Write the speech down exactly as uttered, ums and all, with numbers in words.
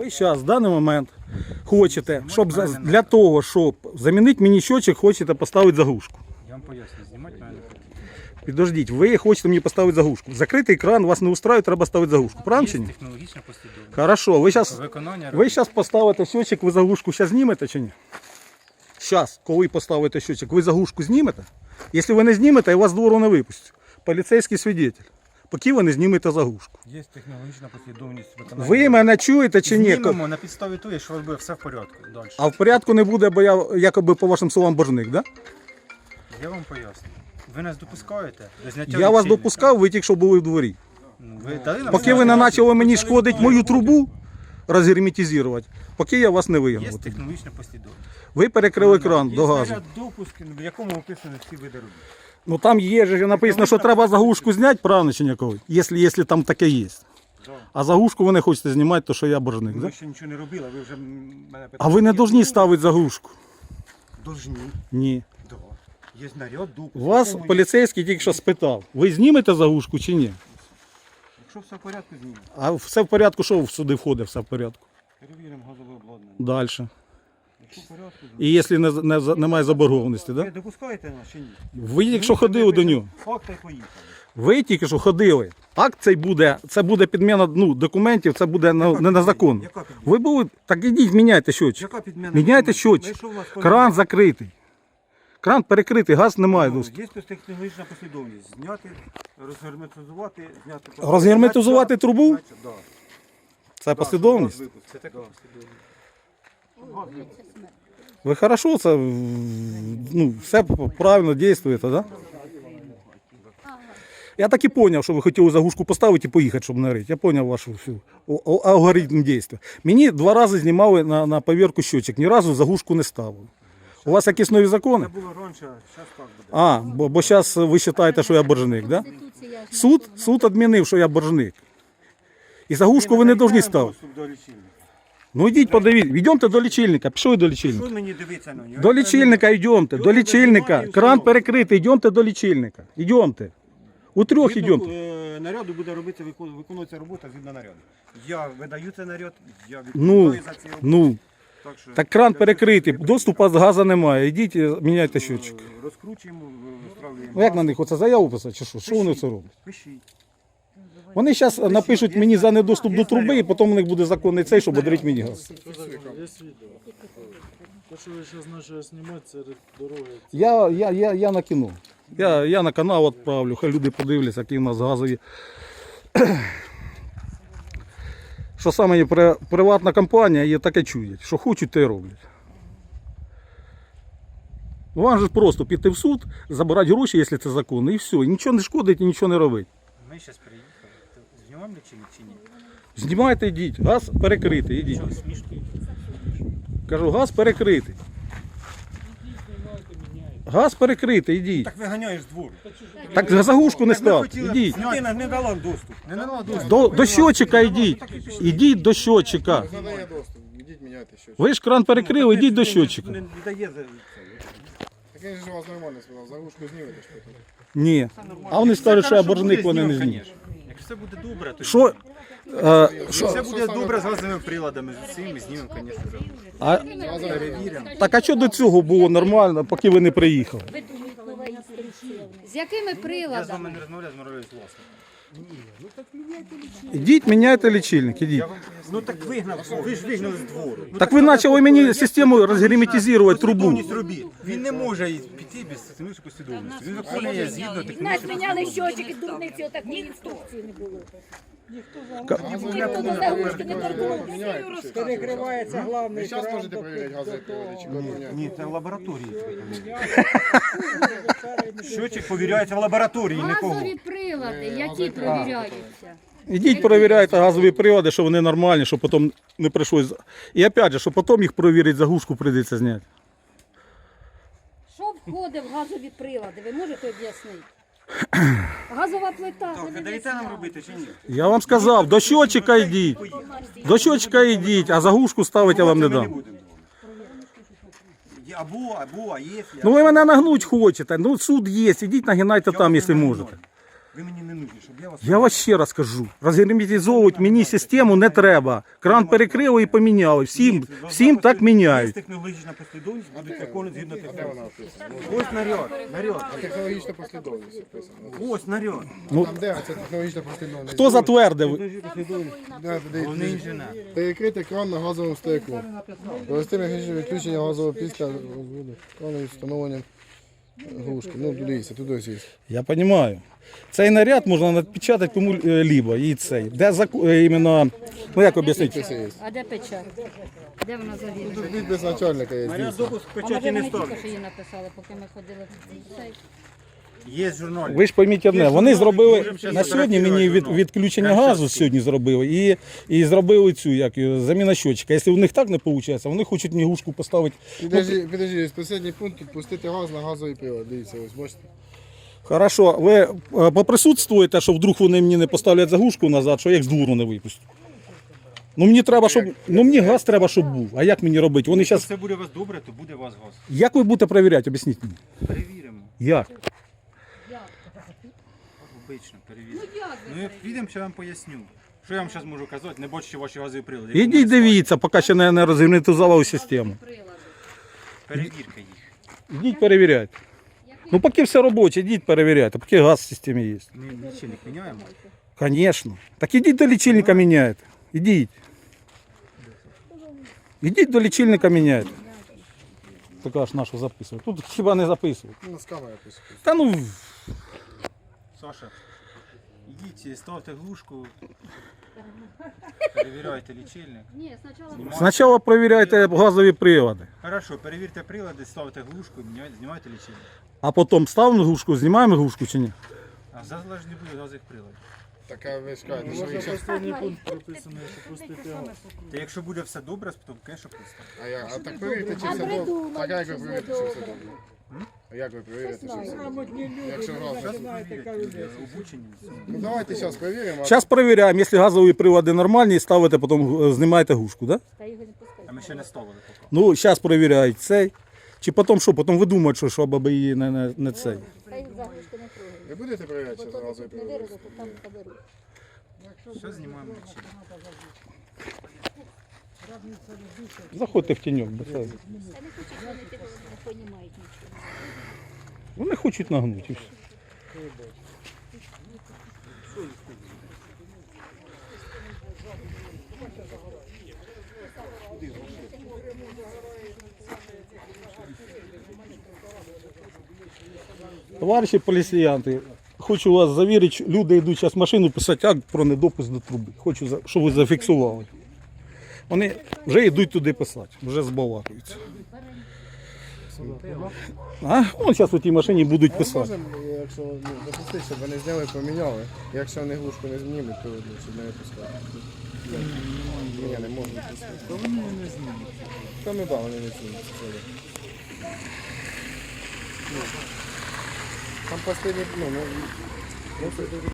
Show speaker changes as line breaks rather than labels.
Ви зараз в даний момент хочете, щоб за- для того, щоб замінити мені щочик, хочете поставити заглушку.
Я вам поясню, знімати мене не потрібно.
Підождіть, ви хочете мені поставити заглушку. Закритий кран вас не устраює, треба ставити заглушку. Правильно чи
Є
ні?
технологічна послідовність.
Хорошо, ви зараз
Виконання
ви зараз поставите щочик, ви заглушку зараз знімете чи ні? Зараз, коли поставите щочик, ви заглушку знімете? Якщо ви не знімете, я вас з двору не випустю. Поліцейський свідетель. Поки ви не знімете заглушку.
Є технологічна послідовність виконання.
Ви мене чуєте чи ні?
Знімемо на підставі того, що у вас буде все в порядку. Далі.
А в порядку не буде, бо я якоби по вашим словам боржник, да?
Я вам поясню. Ви нас допускаєте до зняття
Я вас
лічильника?
допускав, ви тільки що були в дворі.
Ну, ви дали нам
Поки ви не почали мені шкодити мою трубу, розгерметизувати, поки я вас не
Є
вигнав.
технологічна послідовність.
Ви перекрили кран
Є
до газу.
снаряд допуску, в якому описано всі види робіт.
Ну там є ж написано, що треба заглушку зняти, правильно чи ніякого? Якщо, якщо там таке є. А заглушку ви не хочете знімати, то що я боржник,
Ви
да?
ще нічого не робили, ви вже м, мене питаєте.
А ви не повинні ставити заглушку?
Должні.
Ні.
Да. Є снаряд допуск.
Вас
в якому є-
поліцейський тільки що спитав, ви знімете заглушку чи ні?
Якщо все в порядку, знімемо.
А все в порядку, що сюди входить, все в порядку?
Перевіримо газове обладнання.
Далі.
Якщо в порядку, знімемо.
І якщо не, не, немає заборгованості,
Ви
да?
допускаєте нас чи ні?
Ви тільки що ходили до нього.
Факт і поїхали.
Ви тільки що ходили. Акт цей буде, це буде підміна ну, документів, це буде на, не на закон.
Яка підміна?
Ви були, так ідіть, міняйте щочик.
Яка підміна?
Міняйте
Ми
щочик.
що в нас
Кран закритий. Кран перекритий, газ немає
Ну,
доступу.
Є технологічна послідовність. Зняти, розгерметизувати, зняти...
Розгерметизувати трубу?
Значить, да.
Це послідовність.
Да, Це така послідовність.
Ви хорошо, це ну, все правильно дійствуєте, да? Я так і зрозумів, що ви хотіли заглушку поставити і поїхати, щоб нарити. Я зрозумів ваш всю алгоритм дій. Мені два рази знімали на, на повірку щочик, ні разу заглушку не ставили. У вас якісь нові закони?
Це було раніше, зараз так буде.
А, бо, бо зараз ви вважаєте, що я боржник, да? Суд, суд відмінив, що я боржник. І заглушку ви не повинні ставити.
Доступ до лічильника.
Ну йдіть, подивіться, йдемте до лічильника, пішли до лічильника.
Що мені дивитися на нього?
До лічильника йдемте, до лічильника. Кран перекритий, йдемте до лічильника. Йдемте. У трьох
Згідно,
йдемте.
е, наряду буде робити, викон- виконується робота згідно наряду. Я видаю цей наряд, я
Ну,
відповідаю за ці роботи.
ну,
Так, що
так кран перекритий, доступу з газу немає. Йдіть, е, міняйте щотчик.
е, розкручуємо, виставляємо.
Ну як на них оце заяву писати, чи що? Що вони це роблять?
Пишіть.
Вони зараз напишуть мені за недоступ до труби, і потім у них буде законний цей, щоб одрити мені газ.
Є відео. Те, що ви зараз почали знімати, це дороги.
Я, я, я, я на кіно. Я, я на канал відправлю, хай люди подивляться, які в нас газові. Що саме є при- приватна компанія, є таке чують. Що хочуть, те й роблять. Вам же просто піти в суд, забирати гроші, якщо це законно, і все. І нічого не шкодить, і нічого не робить.
Ми зараз приїхали. То знімаємо лічильник чи ні?
Знімайте, йдіть. Газ перекритий, йдіть.
Що, смішки?
Кажу, газ перекритий. Газ перекритий, йдіть.
Так виганяєш з двору.
Так заглушку не став. Ідіть.
Людина не дала доступ. Не дала доступ.
До, до щотчика йдіть. Ідіть до щотчика.
Надає доступ, ідіть міняйте щось.
Ви ж кран перекрили, ідіть до щотчика.
Не дає за це.
Так я ж у вас нормально сказав, заглушку знімете що тут.
Ні. А вони скажуть, що я боржник, вони не знімуть.
Якщо все буде добре, то
Що? Е,
Якщо все буде добре з газовими приладами, з усім, знімемо, звісно, заглушку.
а,
Перевіримо.
так а що до цього було нормально, поки ви не приїхали?
З якими
Я з
приладами?
вами не розмовляю, розмовляю з власником.
Ідіть, міняйте лічильник, ідіть.
Ну так вигнав, ви ж вигнали з двору. Ну,
Так ви почали мені систему розгерметизувати трубу.
послідовність робіт. Він не може піти без технічної послідовності. Він виконує згідно
Нас
технічної
міняли щочики, дурниці, отакої інструкції не було. Ніхто до заглушки не торкнувся.
Перекривається главний
Ви зараз
кран.
можете перевіряти газові прилади чи кого
Ні, це в лабораторії. Щочик повіряється в лабораторії, нікого.
Газові прилади, які провіряються.
Ідіть, перевіряйте газові прилади, що вони нормальні, щоб потім не прийшлось. І опять же, щоб потім їх перевірити, заглушку прийдеться зняти.
Що входить в газові прилади, ви можете об'яснити? Газова плита.
Ви даєте нам робити чи ні?
Я вам сказав, до щотчика йдіть. До щотчика йдіть, а заглушку ставити я вам не дам.
Або, або, а якщо...
Ну ви мене нагнуть хочете, ну суд є, ідіть нагинайте там, якщо можете.
Ви мені не нужні, щоб я вас...
Я вас ще раз кажу, розгерметизовувати мені систему не треба. Кран перекрили і поміняли. Всім, всім так
Є
міняють.
технологічна послідовність, будуть закони згідно
А де
технології.
вона описана?
Ось наряд, наряд.
Технологічна послідовність описана.
Ось наряд.
Ну,
Там де це технологічна послідовність?
хто затвердив?
Технологічна послідовність.
Де, де,
Головний
де,
інженер.
перекрити кран на газовому стояку. Провести механічне відключення газового після крану встановленням глушки. Ну, дивіться, туди ось є.
Я розумію. Цей наряд можна напечатати кому-либо. І цей. Де заку- е, іменно, ну як об'яснити?
Підписи є.
А де печать? Де вона завірена?
Тут підпис начальника є.
Наряд
дійсно.
допуск
А може
печаті не
вони тільки
ставлять.
що її написали, поки ми ходили в цей?
Є журнал.
Ви ж пойміть одне, вони зробили
Можемо ще
на сьогодні мені від,
сфотографувати
відключення
журнал.
газу сьогодні зробили і, і зробили цю як, його, заміна щотчика. Якщо в них так не виходить, вони хочуть мені глушку поставити.
Підожди, підожди, останній пункт тут пустити газ на газовий привод. Дивіться, ось бачите.
Хорошо, ви е, поприсутствуєте, що вдруг вони мені не поставлять заглушку назад, що я їх з двору не випустю. Ну мені треба, щоб. Ну мені газ треба, щоб був. А як мені робити? Вони
Якщо
зараз.
все буде у вас добре, то буде у вас газ.
Як ви будете перевіряти? Об'ясніть мені.
Перевіримо.
Як?
Обично, перевіримо. Ну як підемо, що я вам поясню. Що я вам зараз можу казати, не бачу, що ваші газові прилади. Як
Ідіть
вони
дивіться, поки ще не, не розгерметизували систему.
стоять. Перевірка їх.
Ідіть перевіряйте. Ну поки все робоче, ідіть перевіряйте, поки газ в системі є.
Ми лічильник міняємо.
Звісно. Так ідіть до лічильника міняйте. Ідіть. Ідіть до лічильника міняйте. Така ж нашу записувати. Тут хіба не записувати.
Ну, з камери пишуть.
Та ну,
Саша, ідіть, ставте глушку, перевіряйте лічильник.
Ні, спочатку.
спочатку перевіряйте газові прилади,
Хорошо, перевірте прилади, ставте глушку, міняйте- знімайте лічильник.
а потім ставимо глушку, знімаємо глушку чи ні?
А зараз не буде газових приладів.
Така ви ж кажете, що
Можна
ви ще...
останній пункт прописаний, що пустити газ.
Та якщо буде все добре, то, звісно, пусто.
А, я, а так перевірте, чи все добре. Так а як ви перевірите, чи все добре? А як ви перевірите, чи все добре? Якщо газ...
Зараз перевірять, обучені.
Ну давайте зараз перевіримо. а
Зараз перевіряємо, якщо газові прилади нормальні, ставите, потім е, знімаєте глушку, да?
Та його не пускай.
А ми ще не ставили поки.
Ну, зараз перевіряють цей. Чи потім що? Потім ви думаєте, що, що баби її не, не, не цей.
Хай заглушку не трогає.
Ви будете перевіряти, чи
Бо
газовий
тут не
привод?
вирізати, там заберуть.
Все знімаємо лічильник.
Заходьте в тіньок. Бо це...
Та не хочуть вони тебе, не понімають нічого.
Вони хочуть нагнути. і все. Товариші поліціянти, хочу вас завірити, люди йдуть зараз в машину писати акт про недопуск до труби. Хочу, за- щоб ви зафіксували. Вони вже йдуть туди писати, вже збалакуються. А? Вон зараз у тій машині будуть писати.
Можемо, якщо ну, допустити, щоб вони зняли, поміняли. Якщо вони глушку не знімуть, то ну, щоб не випускати. Ні, не можна пускати.
То вони не знімуть.
Та ну да, вони не знімуть. це є. Ну, Там останні, ну, ну, ну, це